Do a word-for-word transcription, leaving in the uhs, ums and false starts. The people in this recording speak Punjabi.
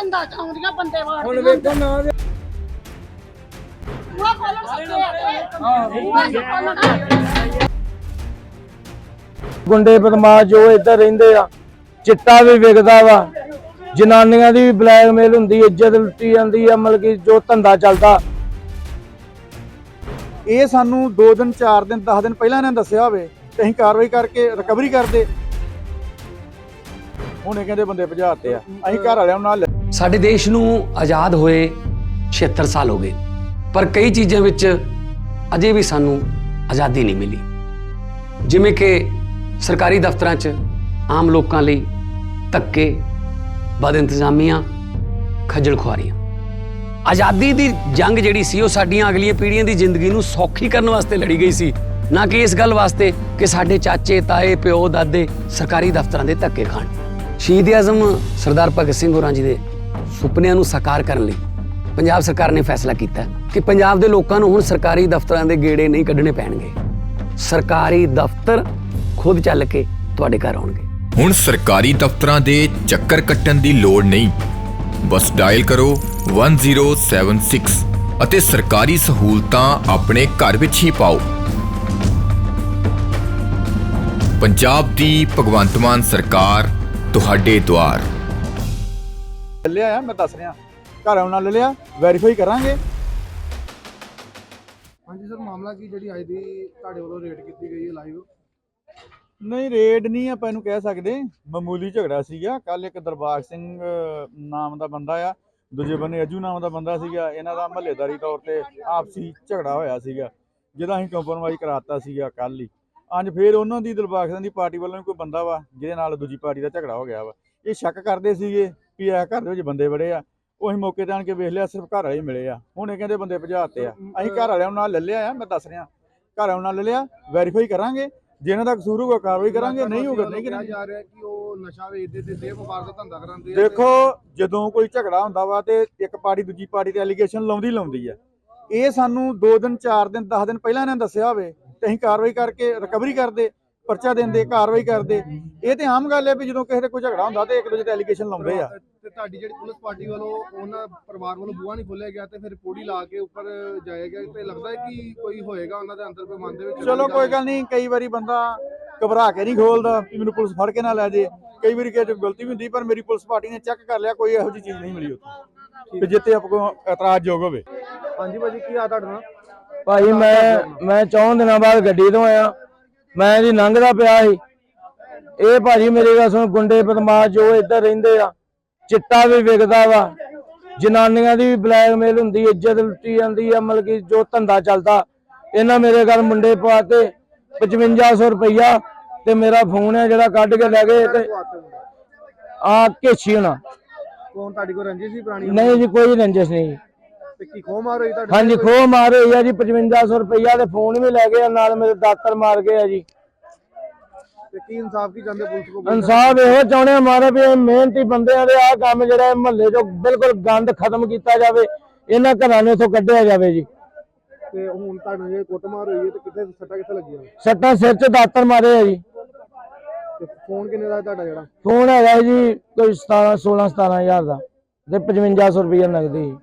ਕੰਦਾ ਚਾਉਂਦੀਆਂ ਬੰਦੇ ਵਾੜ ਹੁਣ ਵੇਖੋ ਨਾ ਪੂਰਾ ਖੋਲਣ ਸਕਦੇ ਗੁੰਡੇ ਬਦਮਾਸ਼ ਜੋ ਇੱਧਰ ਰਹਿੰਦੇ ਆ, ਚਿੱਟਾ ਵੀ ਵਿਕਦਾ ਵਾ, ਜਨਾਨੀਆਂ ਦੀ ਵੀ ਬਲੈਕਮੇਲ ਹੁੰਦੀ, ਇੱਜ਼ਤ ਲੁੱਟੀ ਜਾਂਦੀ ਆ, ਮਤਲਬ ਕਿ ਜੋ ਧੰਦਾ ਚੱਲਦਾ। ਇਹ ਸਾਨੂੰ ਦੋ ਦਿਨ ਚਾਰ ਦਿਨ ਦਸ ਦਿਨ ਪਹਿਲਾਂ ਇਹਨਾਂ ਨੇ ਦੱਸਿਆ ਹੋਵੇ ਤੇ ਅਸੀਂ ਕਾਰਵਾਈ ਕਰਕੇ ਰਿਕਵਰੀ ਕਰਦੇ। ਹੁਣ ਇਹ ਕਹਿੰਦੇ ਬੰਦੇ ਭਜਾਤੇ ਆ, ਅਸੀਂ ਘਰ ਵਾਲਿਆਂ ਨਾਲ। ਸਾਡੇ ਦੇਸ਼ ਨੂੰ ਆਜ਼ਾਦ ਹੋਏ ਛਿਹੱਤਰ ਸਾਲ ਹੋ ਗਏ, ਪਰ ਕਈ ਚੀਜ਼ਾਂ ਵਿੱਚ ਅਜੇ ਵੀ ਸਾਨੂੰ ਆਜ਼ਾਦੀ ਨਹੀਂ ਮਿਲੀ, ਜਿਵੇਂ ਕਿ ਸਰਕਾਰੀ ਦਫ਼ਤਰਾਂ 'ਚ ਆਮ ਲੋਕਾਂ ਲਈ ਧੱਕੇ, ਬਦ ਇੰਤਜ਼ਾਮੀਆਂ, ਖੱਜਲ ਖੁਆਰੀਆਂ। ਆਜ਼ਾਦੀ ਦੀ ਜੰਗ ਜਿਹੜੀ ਸੀ ਉਹ ਸਾਡੀਆਂ ਅਗਲੀਆਂ ਪੀੜ੍ਹੀਆਂ ਦੀ ਜ਼ਿੰਦਗੀ ਨੂੰ ਸੌਖੀ ਕਰਨ ਵਾਸਤੇ ਲੜੀ ਗਈ ਸੀ, ਨਾ ਕਿ ਇਸ ਗੱਲ ਵਾਸਤੇ ਕਿ ਸਾਡੇ ਚਾਚੇ, ਤਾਏ, ਪਿਓ, ਦਾਦੇ ਸਰਕਾਰੀ ਦਫ਼ਤਰਾਂ ਦੇ ਧੱਕੇ ਖਾਣ। ਸ਼ਹੀਦ ਆਜ਼ਮ ਸਰਦਾਰ ਭਗਤ ਸਿੰਘ ਹੋਰਾਂ ਜੀ ਦੇ ਸੁਪਨਿਆਂ ਨੂੰ ਸਾਕਾਰ ਕਰਨ ਲਈ ਪੰਜਾਬ ਸਰਕਾਰ ਨੇ ਫੈਸਲਾ ਕੀਤਾ ਕਿ ਪੰਜਾਬ ਦੇ ਲੋਕਾਂ ਨੂੰ ਹੁਣ ਸਰਕਾਰੀ ਦਫ਼ਤਰਾਂ ਦੇ ਗੇੜੇ ਨਹੀਂ ਕੱਢਣੇ ਪੈਣਗੇ। ਸਰਕਾਰੀ ਦਫ਼ਤਰ ਖੁਦ ਚੱਲ ਕੇ ਤੁਹਾਡੇ ਘਰ ਆਉਣਗੇ। ਹੁਣ ਸਰਕਾਰੀ ਦਫ਼ਤਰਾਂ ਦੇ ਚੱਕਰ ਕੱਟਣ ਦੀ ਲੋੜ ਨਹੀਂ, ਬਸ ਡਾਇਲ ਕਰੋ ਇੱਕ ਜ਼ੀਰੋ ਸੱਤ ਛੇ ਅਤੇ ਸਰਕਾਰੀ ਸਹੂਲਤਾਂ ਆਪਣੇ ਘਰ ਵਿੱਚ ਹੀ ਪਾਓ। ਪੰਜਾਬ ਦੀ ਭਗਵੰਤ ਮਾਨ ਸਰਕਾਰ ਤੁਹਾਡੇ ਦੁਆਰ। ਲਿਆ ਆ, ਮੈਂ ਦੱਸ ਰਿਹਾ, ਘਰ ਆਉਣ ਨਾਲ ਲਿਆ, ਵੈਰੀਫਾਈ ਕਰਾਂਗੇ। ਹਾਂਜੀ ਸਰ, ਮਾਮਲਾ ਕੀ ਜਿਹੜੀ ਅੱਜ ਦੀ ਤੁਹਾਡੇ ਵੱਲੋਂ ਰੇਡ ਕੀਤੀ ਗਈ ਹੈ ਲਾਈਵ? ਨਹੀਂ, ਰੇਡ ਨਹੀਂ ਆਪਾਂ ਇਹਨੂੰ ਕਹਿ ਸਕਦੇ, ਮਾਮੂਲੀ ਝਗੜਾ ਸੀਗਾ। ਕੱਲ ਇੱਕ ਦਰਬਾਰ ਸਿੰਘ ਨਾਮ ਦਾ ਬੰਦਾ ਆ, ਦੂਜੇ ਬੰਨੇ ਅਜੂ ਨਾਮ ਦਾ ਬੰਦਾ ਸੀਗਾ, ਇਹਨਾਂ ਦਾ ਮਹੱਲੇਦਾਰੀ ਤੌਰ ਤੇ ਆਪਸੀ ਝਗੜਾ ਹੋਇਆ ਸੀਗਾ, ਜਿਹਦਾ ਅਸੀਂ ਕੰਪਰੋਮਾਈਜ਼ ਕਰਾਤਾ ਸੀਗਾ ਕੱਲ ਹੀ। ਅੱਜ ਫੇਰ ਉਹਨਾਂ ਦੀ ਦਰਬਾਰ ਸਿੰਘ ਦੀ ਪਾਰਟੀ ਵੱਲੋਂ ਵੀ ਕੋਈ ਬੰਦਾ ਵਾ ਜਿਹਦੇ ਨਾਲ ਦੂਜੀ ਪਾਰਟੀ ਦਾ ਝਗੜਾ ਹੋ ਗਿਆ ਵਾ। ਇਹ ਸ਼ੱਕ ਕਰਦੇ ਸੀਗੇ ਵੀ ਇਹ ਘਰ ਦੇ ਵਿੱਚ ਬੰਦੇ ਬੜੇ ਆ, ਉਹ ਅਸੀਂ ਮੌਕੇ ਤੇ ਆਣ ਕੇ ਵੇਖ ਲਿਆ, ਸਿਰਫ ਘਰ ਵਾਲੇ ਮਿਲੇ ਆ। ਹੁਣ ਇਹ ਕਹਿੰਦੇ ਬੰਦੇ ਭਜਾਤੇ ਆ, ਅਸੀਂ ਘਰ ਵਾਲਿਆਂ ਨਾਲ ਲੈ ਲਿਆ ਆ, ਮੈਂ ਦੱਸ ਰਿਹਾ, ਘਰ ਵਾਲਿਆਂ ਨਾਲ ਲੈ ਲਿਆ, ਵੈਰੀਫਾਈ ਕਰਾਂਗੇ, ਜੇ ਇਹਨਾਂ ਦਾ ਕਸੂਰ ਹੋਊਗਾ ਕਾਰਵਾਈ ਕਰਾਂਗੇ, ਨਹੀਂ ਹੋਊਗਾ ਨਹੀਂ ਕਰਾਂਗੇ। ਜਾ ਰਿਹਾ ਕਿ ਉਹ ਨਸ਼ਾ ਵੇਚਦੇ ਤੇ ਦੇਹ ਵਪਾਰ ਦਾ ਧੰਦਾ ਕਰਾਉਂਦੇ ਆ। ਦੇਖੋ, ਜਦੋਂ ਕੋਈ ਝਗੜਾ ਹੁੰਦਾ ਵਾ ਤੇ ਇੱਕ ਪਾਰਟੀ ਦੂਜੀ ਪਾਰਟੀ ਤੇ ਐਲੀਗੇਸ਼ਨ ਲਾਉਂਦੀ ਲਾਉਂਦੀ ਆ। ਇਹ ਸਾਨੂੰ ਦੋ ਦਿਨ ਚਾਰ ਦਿਨ ਦਸ ਦਿਨ ਪਹਿਲਾਂ ਇਹਨਾਂ ਨੇ ਦੱਸਿਆ ਹੋਵੇ ਤੇ ਅਸੀਂ ਕਾਰਵਾਈ ਕਰਕੇ ਰਿਕਵਰੀ ਕਰਦੇ, ਪਰਚਾ ਦਿੰਦੇ, ਕਾਰਵਾਈ ਕਰਦੇ। ਇਹ ਤੇ ਆਮ ਗੱਲ ਹੈ ਵੀ ਜਦੋਂ ਕਿਸੇ ਦੇ ਕੋਈ ਝਗੜਾ ਹੁੰਦਾ ਤੇ ਇੱਕ ਦੂਜੇ ਤੇ ਐਲੀਗੇਸ਼ਨ ਲਾਉਂਦੇ ਆ। ਤੇ ਤੁਹਾਡੀ ਜਿਹੜੀ ਪੁਲਿਸ ਪਾਰਟੀ ਵੱਲੋਂ ਉਹਨਾਂ ਪਰਿਵਾਰ ਵੱਲੋਂ ਬੂਹਾ ਨਹੀਂ ਖੋਲਿਆ ਗਿਆ ਤੇ ਫਿਰ ਪੌੜੀ ਲਾ ਕੇ ਉੱਪਰ ਜਾਇਆ ਗਿਆ, ਤੇ ਲੱਗਦਾ ਹੈ ਕਿ ਕੋਈ ਹੋਏਗਾ ਉਹਨਾਂ ਦੇ ਅੰਦਰ ਕੋਈ ਮਨ ਦੇ ਵਿੱਚ? ਚਲੋ ਕੋਈ ਗੱਲ ਨਹੀਂ, ਕਈ ਵਾਰੀ ਬੰਦਾ ਘਬਰਾ ਕੇ ਨਹੀਂ ਖੋਲਦਾ ਵੀ ਮੈਨੂੰ ਪੁਲਿਸ ਫੜ ਕੇ ਨਾ ਲੈ ਜੇ, ਕਈ ਵਾਰੀ ਕਿਸੇ ਤੋਂ ਗਲਤੀ ਵੀ ਹੁੰਦੀ, ਪਰ ਮੇਰੀ ਪੁਲਿਸ ਪਾਰਟੀ ਨੇ ਚੈੱਕ ਕਰ ਲਿਆ, ਕੋਈ ਇਹੋ ਜਿਹੀ ਚੀਜ਼ ਨਹੀਂ ਮਿਲੀ ਉੱਥੇ ਵੀ ਜਿੱਤੇ ਆਪ ਕੋ ਇਤਰਾਜ਼ਯੋਗ ਹੋਵੇ। ਹਾਂਜੀ ਭਾਜੀ, ਕੀ ਆ ਤੁਹਾਡਾ? ਭਾਈ ਮੈਂ ਮੈਂ ਚੌਂ ਦਿਨਾਂ ਬਾਅਦ ਗੱਡੀ ਤੋਂ ਆਇਆ, ਮੈਂ ਜੀ ਲੰਘਦਾ ਪਿਆ ਸੀ। ਇਹ ਭਾਜੀ ਮੇਰੀ ਗੱਲ ਸੁਣ, ਗੁੰਡੇ ਬਦਮਾਸ਼ ਜੋ ਇੱਧਰ ਰਹਿੰਦੇ ਆ, ਚਿੱਟਾ ਵੀ ਵਿਕਦਾ ਵਾ, ਜਨਾਨੀਆਂ ਦੀ ਵੀ ਬਲੈਕਮੇਲ ਹੁੰਦੀ, ਇੱਜ਼ਤ ਲੁੱਟੀ ਜਾਂਦੀ ਆ, ਮਤਲਬ ਕਿ ਜੋ ਧੰਦਾ ਚੱਲਦਾ। ਇਹਨਾਂ ਮੇਰੇ ਘਰ ਮੁੰਡੇ ਪਵਾਤੇ ਪਚਵੰਜਾ ਸੌ ਰੁਪਈਆ ਤੇ ਮੇਰਾ ਫੋਨ ਹੈ ਜਿਹੜਾ ਕੱਢ ਕੇ ਲੈ ਗਏ ਤੇ ਆ ਘੇਛੀ ਹੋਣਾ। ਕੌਣ ਤੁਹਾਡੀ ਕੋਈ ਰੰਜਿਸ਼ ਸੀ ਪੁਰਾਣੀ? ਨਹੀਂ ਜੀ, ਕੋਈ ਰੰਜਿਸ਼ ਨਹੀਂ। ਤੇ ਕੀ ਖੋਹ ਮਾਰ ਹੋਈ ਤੁਹਾਡੀ? ਹਾਂਜੀ, ਖੋਹ ਮਾਰ ਹੋਈ ਆ ਜੀ, ਪਚਵੰਜਾ ਸੌ ਰੁਪਈਆ ਤੇ ਫੋਨ ਵੀ ਲੈ ਗਏ, ਨਾਲ ਮੇਰੇ ਦਾਤਰ ਮਾਰ ਗਏ ਆ ਜੀ। ਤੇ ਕੀ ਇਨਸਾਫ ਕੀ ਚਾਹੁੰਦੇ ਪੁਲਿਸ ਕੋਲ? ਇਨਸਾਫ ਇਹੋ ਚਾਹੁੰਦੇ ਆ ਮਾਰੇ ਵੀ ਇਹ ਮਿਹਨਤੀ ਬੰਦਿਆਂ ਦੇ ਆਹ ਕੰਮ ਜਿਹੜਾ ਮਹੱਲੇ ਚੋਂ ਬਿਲਕੁਲ ਗੰਦ ਖਤਮ ਕੀਤਾ ਜਾਵੇ, ਇਹਨਾਂ ਘਰਾਂ ਨੂੰ ਇੱਥੋਂ ਕੱਢਿਆ ਜਾਵੇ ਜੀ। ਤੇ ਹੁਣ ਤੁਹਾਨੂੰ ਜੇ ਕੁੱਟਮਾਰ ਹੋਈ ਹੈ ਤੇ ਕਿੱਥੇ ਸੱਟਾਂ ਕਿੱਥੇ ਲੱਗੀਆਂ? ਸੱਟਾਂ ਸਿਰ 'ਚ ਦਾਤਰ ਮਾਰੇ ਆ ਜੀ। ਤੇ ਫੋਨ ਕਿੰਨੇ ਦਾ ਤੁਹਾਡਾ ਜਿਹੜਾ? ਫੋਨ ਹੈਗਾ ਜੀ ਕੋਈ ਸਤਾਰਾਂ ਸੋਲਾਂ ਸਤਾਰਾਂ ਹਜ਼ਾਰ ਦਾ ਤੇ ਪਚਵੰਜਾ ਸੌ ਰੁਪਈਆ ਨਗਦੀ।